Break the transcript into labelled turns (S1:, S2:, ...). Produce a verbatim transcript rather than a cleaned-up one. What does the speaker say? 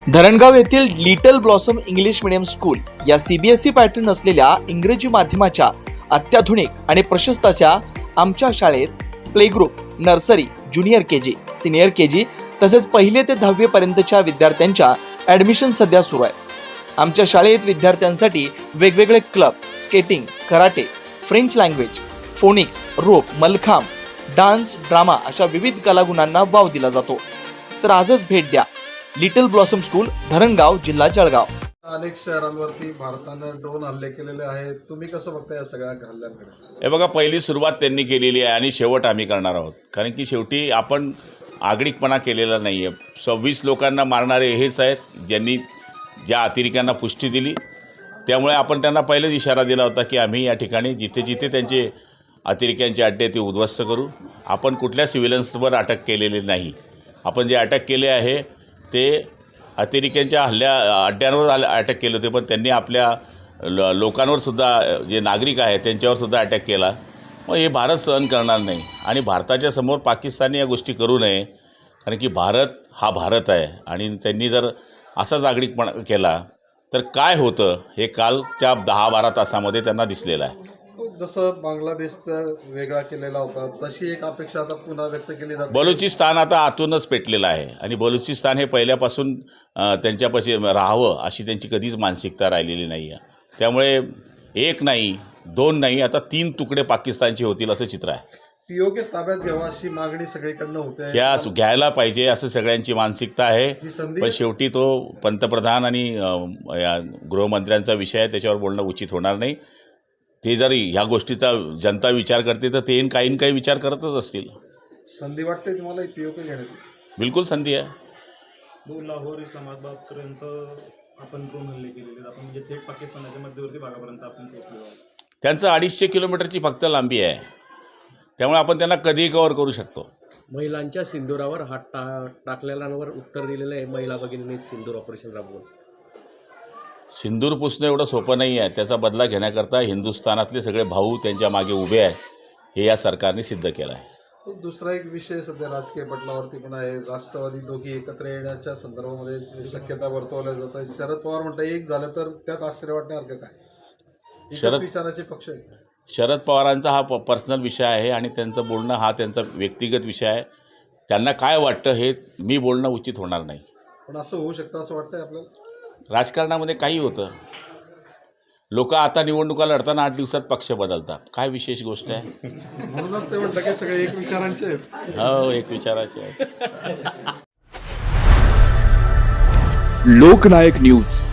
S1: धरणगाव येथील little blossom English medium school या CBSE pattern असलेल्या इंग्रजी माध्यमाच्या अत्याधुनिक आणि प्रशस्त अशा आमच्या शाळेत play group, nursery, junior KG, senior KG तसेच पहिले ते दहावी पर्यंतच्या विद्यार्थ्यांच्या ॲडमिशन सध्या सुरू आहे। आमच्या शाळेत विद्यार्थ्यांसाठी वेगवेगळे club, skating, karate, French language, phonics, rope, mallakhamb, dance, drama अशा विविध कलागुणांना वाव दिला जातो। तर आजच भेट द्या लिटल ब्लॉसम स्कूल, धरणगाव, जिल्हा जळगाव।
S2: अनेक शहरांवरती भारतानं ड्रोन हल्ले केलेले आहेत, तुम्ही कसं बघताय या सगळ्या हल्ल्यांकडे?
S3: हे बघा, पहिली सुरुवात त्यांनी केलेली आहे आणि शेवट आम्ही करणार आहोत, कारण की शेवटी आपण आगळिकपणा केलेला नाही आहे। सव्वीस लोकांना मारणारे हेच आहेत ज्यांनी ज्या अतिरेक्यांना पुष्टी दिली। त्यामुळे आपण त्यांना पहिलेच इशारा दिला होता की आम्ही या ठिकाणी जिथे जिथे त्यांचे अतिरेक्यांचे अड्डे ते उद्ध्वस्त करू। आपण कुठल्या सिव्हिलन्सवर अटक केलेली नाही। आपण जे अटक केले आहे ते अतिरेक्यांच्या हल्ल्या अड्ड्यांवर अटक केले होते, पण त्यांनी आपल्या ल लोकांवर सुद्धा, जे नागरिक आहेत त्यांच्यावर सुद्धा अटॅक केला। मग हे भारत सहन करणार नाही आणि भारताच्या समोर पाकिस्तानने या गोष्टी करू नये, कारण की भारत हा भारत आहे आणि त्यांनी जर असाच आगळिकपणा केला तर काय होतं हे कालच्या दहा बारा तासामध्ये त्यांना दिसलेलं आहे।
S2: जसं बांगलादेशचा वेगळा केलेला होता तशी एक अपेक्षा आता पुन्हा व्यक्त केली जाते।
S3: बलुचिस्तान आता आतूनच पेटलेलं आहे आणि बलुचिस्तान हे पहिल्यापासून त्यांच्यापाशी राहावं अशी त्यांची कधीच मानसिकता राहिलेली नाही आहे। त्यामुळे एक नाही, दोन नाही, आता तीन तुकडे पाकिस्तानचे होतील असं चित्र आहे।
S2: पीओके ताब्यात घ्यावा अशी मागणी सगळीकडनं होते,
S3: त्या घ्यायला पाहिजे असं सगळ्यांची मानसिकता आहे। पण शेवटी तो पंतप्रधान आणि या गृहमंत्र्यांचा विषय आहे, त्याच्यावर बोलणं उचित होणार नाही। ते जर ह्या गोष्टीचा जनता विचार करते तर ते काही काही विचार करतच असतील।
S2: संधी वाटते तुम्हाला पीओके घेण्याची?
S3: बिलकुल संधी आहे।
S4: दोन लाहोर इस्लामाबादपर्यंत आपण ड्रोन हल्ले केलेले, आपण म्हणजे थेट पाकिस्तानाच्या मध्यवर्ती भागापर्यंत आपण पोहोचलो आहोत।
S3: त्यांचं अडीचशे किलोमीटरची फक्त लांबी आहे, त्यामुळे आपण त्यांना कधीही कव्हर करू शकतो।
S5: महिलांच्या सिंदुरावर हात टा टाकलेल्यांवर उत्तर दिलेलं आहे महिला भगिनींनी सिंदूर ऑपरेशन राबवून।
S3: सिंदूर पुसणं एवढं सोपं नाही आहे, त्याचा बदला घेण्याकरता हिंदुस्थानातले सगळे भाऊ त्यांच्या मागे उभे आहेत, हे या सरकारने सिद्ध केलं आहे।
S2: दुसरा एक विषय सध्या राजकीय पटलावरती पण आहे, राष्ट्रवादी दोघी एकत्र येण्याच्या संदर्भामध्ये शक्यता वर्तवल्या जात आहे। शरद पवार म्हणतात एक झालं तर त्यात आश्चर्य वाटण्यासारखं काय? शरद विचाराचे पक्ष आहे।
S3: शरद पवारांचा हा प पर्सनल विषय आहे आणि त्यांचं बोलणं हा त्यांचा व्यक्तिगत विषय आहे। त्यांना काय वाटतं हे मी बोलणं उचित होणार नाही।
S2: पण असं होऊ शकतं असं वाटतंय आपल्याला? राजकारणामध्ये
S3: काही होतं, लोक आता निवडणुका लढताना आठ दिवसात पक्ष बदलतात, काय विशेष गोष्ट आहे?
S2: म्हणूनच ते म्हणतात की सगळे एक विचारांचे आहेत।
S3: हो, एक विचाराचे आहेत।
S1: लोकनायक न्यूज